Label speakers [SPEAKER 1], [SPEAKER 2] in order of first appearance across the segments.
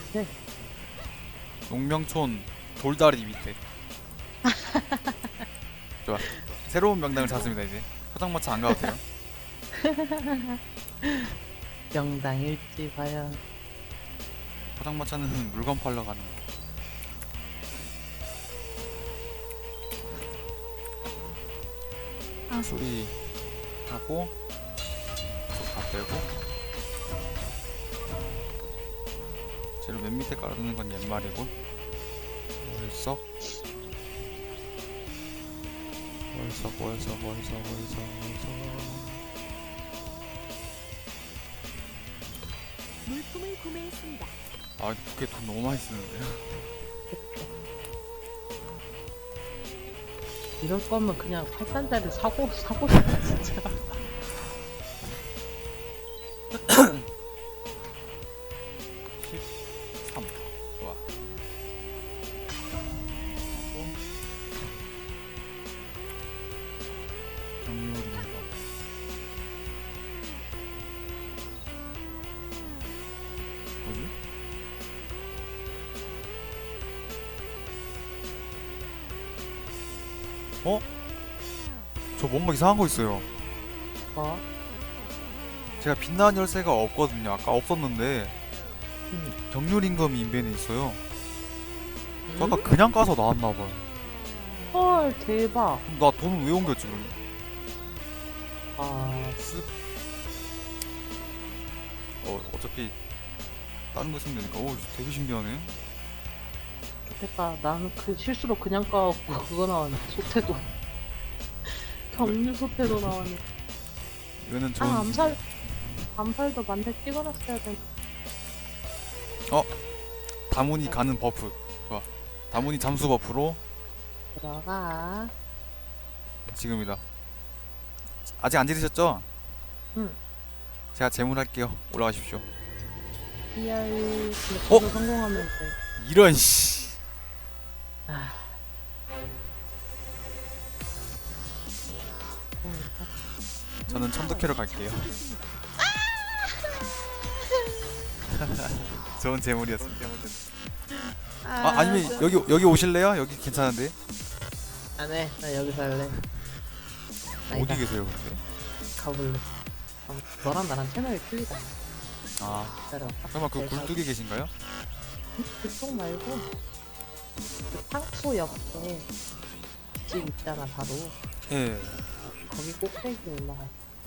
[SPEAKER 1] 밑에.
[SPEAKER 2] 용명촌 돌다리 밑에. 좋아. 새로운 명당을 찾습니다 이제. 포장마차 안 가도 돼요.
[SPEAKER 1] 명당일지 과연.
[SPEAKER 2] 포장마차는 물건 팔러 가는 거. 수리 하고 다 빼고 재료 맨 밑에 깔아두는 건 옛말이고 월석
[SPEAKER 3] 물품을 구매했습니다.
[SPEAKER 2] 아 부캐 돈 너무 많이 쓰는데요.
[SPEAKER 1] 이럴 거면 그냥 8단짜리 사고 싶다 진짜.
[SPEAKER 2] 13 좋아. 정률인가 뭐지? 어? 저 뭔가 이상한 거 있어요.
[SPEAKER 1] 뭐?
[SPEAKER 2] 제가 빛나는 열쇠가 없거든요. 아까 없었는데
[SPEAKER 1] 음.
[SPEAKER 2] 정률 임금이 인벤에 있어요. 저 아까 그냥 까서 나왔나봐요.
[SPEAKER 1] 헐 대박.
[SPEAKER 2] 그럼 나 돈은 왜 옮겼지 그럼?
[SPEAKER 1] 아
[SPEAKER 2] 쓱. 어차피 다른 거 쓰면 되니까. 오 되게 신기하네.
[SPEAKER 1] 좋겠다. 나는 그 실수로 그냥 까갖고 그거 나왔네. 소태도. 경류 소태도 나왔네.
[SPEAKER 2] 이거는 좋은
[SPEAKER 1] 아 암살도 만렙 찍어놨어야 돼.
[SPEAKER 2] 다문이 가는 버프. 좋아. 다문이 잠수 버프로
[SPEAKER 1] 들어가.
[SPEAKER 2] 지금이다. 아직 안 지르셨죠?
[SPEAKER 1] 응.
[SPEAKER 2] 제가 재물할게요. 올라가십시오.
[SPEAKER 1] PR 근데
[SPEAKER 2] 어?
[SPEAKER 1] 그거 성공하면 돼.
[SPEAKER 2] 이런 씨.
[SPEAKER 1] 아.
[SPEAKER 2] 저는 천도캐로 갈게요. 좋은 재물이었습니다. 아니면 여기 오실래요? 여기 괜찮은데?
[SPEAKER 1] 안해. 나 여기서 할래.
[SPEAKER 2] 어디 계세요 근데?
[SPEAKER 1] 가볼래. 너랑 나랑 채널이 틀리다.
[SPEAKER 2] 아
[SPEAKER 1] 기다려봐.
[SPEAKER 2] 설마 그
[SPEAKER 1] 내가
[SPEAKER 2] 굴뚝에 계신가요?
[SPEAKER 1] 그쪽 말고 그 탕수 옆에 집 있잖아 바로.
[SPEAKER 2] 예.
[SPEAKER 1] 거기 꼭대기 올라가.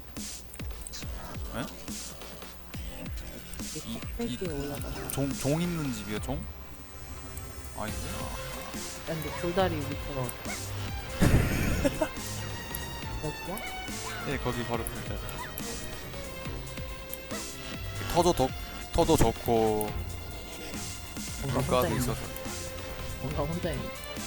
[SPEAKER 2] 에?
[SPEAKER 1] 거기 꼭대기에 올라가.
[SPEAKER 2] 종 있는 집이요 종? 아닌데?
[SPEAKER 1] 근데 돌다리 밑에가 어때? 여기야?
[SPEAKER 2] 예 거기 바로 그 자리. 터도 좋고
[SPEAKER 1] 뭔가
[SPEAKER 2] 물가도
[SPEAKER 1] 혼자 있는.
[SPEAKER 2] 있어서.
[SPEAKER 1] 뭔가 혼자 있는.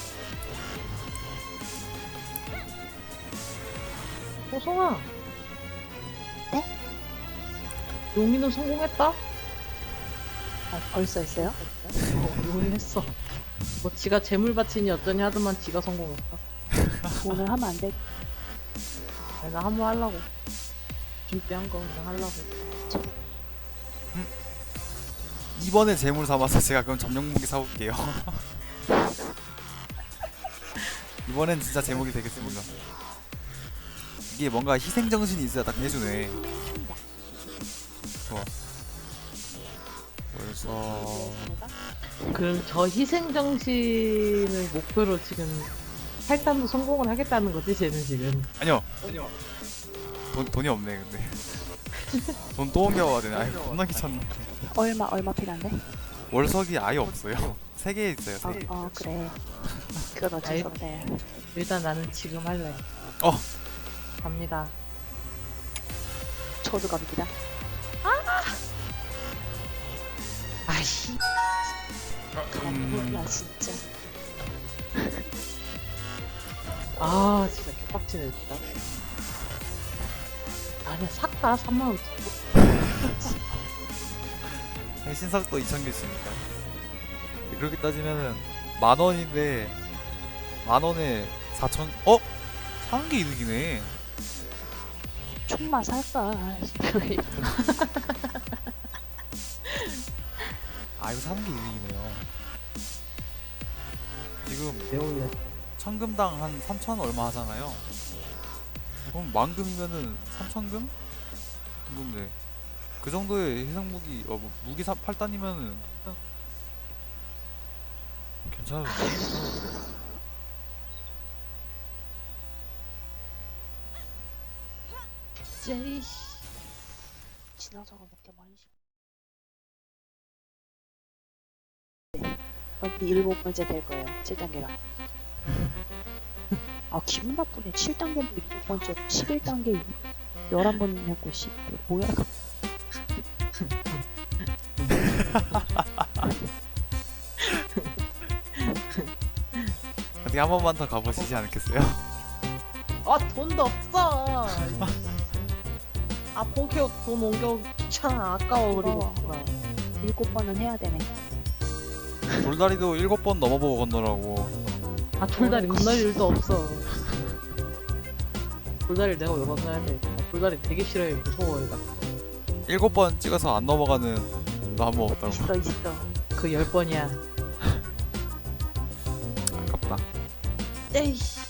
[SPEAKER 1] 호송아.
[SPEAKER 3] 네?
[SPEAKER 1] 용인은 성공했다?
[SPEAKER 3] 아, 벌써 했어요?
[SPEAKER 1] 용인 했어. 뭐 지가 재물바치니 어쩌니 하더만 지가 성공했어.
[SPEAKER 3] 오늘 하면 안 돼.
[SPEAKER 1] 내가 한번 하려고. 준비한 거 그냥 하려고.
[SPEAKER 2] 이번에 재물 삼아서 제가 그럼 점령무기 사올게요. 이번엔 진짜 제목이 되겠습니다. 이게 뭔가 희생정신이 있어야 딱 해주네. 좋아. 벌써
[SPEAKER 1] 그럼 저 희생정신을 목표로 지금 탈단도 성공을 하겠다는 거지, 쟤는 지금.
[SPEAKER 2] 아니요. 돈이 없네 근데. 돈 또 옮겨와야 되네. 아이 겁나 귀찮네.
[SPEAKER 3] 얼마 필요한데?
[SPEAKER 2] 월석이 아예 없어요. 3개 있어요 3개.
[SPEAKER 3] 그래. 그건 어쩔 수 없네.
[SPEAKER 1] 일단 나는 지금 할래.
[SPEAKER 2] 어.
[SPEAKER 1] 갑니다.
[SPEAKER 3] 저도 갑니다.
[SPEAKER 1] 아이씨.
[SPEAKER 3] 나 진짜.
[SPEAKER 1] 아, 진짜 개빡치네, 진짜. 아니야, 샀다, 3만원.
[SPEAKER 2] 신석도 2000개 있으니까. 그렇게 따지면은 10,000원인데 10,000원에 4,000. 사는 게 이득이네.
[SPEAKER 3] 총만 살까?
[SPEAKER 2] 아 이거 사는 게 이득이네요. 지금
[SPEAKER 1] 배울래.
[SPEAKER 2] 1000금당 한 3000 얼마 하잖아요. 그럼 만금이면은 3000금? 근데 그 정도의 해상 무기 뭐 무기 8단이면은 괜찮은데.
[SPEAKER 1] 제이씨.
[SPEAKER 3] 지나서가 몇개 많이 씹. 언니 7번째 될 거예요. 7단계라. 아 기분 나쁘네. 7단계도 7번째, 11단계 11번 했고 씨. 뭐야?
[SPEAKER 2] 어떻게 한 번만 더 가보시지 않겠어요?
[SPEAKER 1] 아 돈도 없어. 아 본캐 돈 옮겨 귀찮아. 아까워 그리고.
[SPEAKER 3] 7번은 해야 되네.
[SPEAKER 2] 돌다리도 7번 넘어보고 건너라고.
[SPEAKER 1] 아 돌다리 건널 일도 없어. 돌다리를 내가 왜 건너야 돼? 아, 돌다리 되게 싫어해. 무서워 얘가.
[SPEAKER 2] 7번 찍어서 안 넘어가는 나무 없다고.
[SPEAKER 3] 있어.
[SPEAKER 1] 그 10번이야.
[SPEAKER 2] 아깝다.
[SPEAKER 1] 에이씨.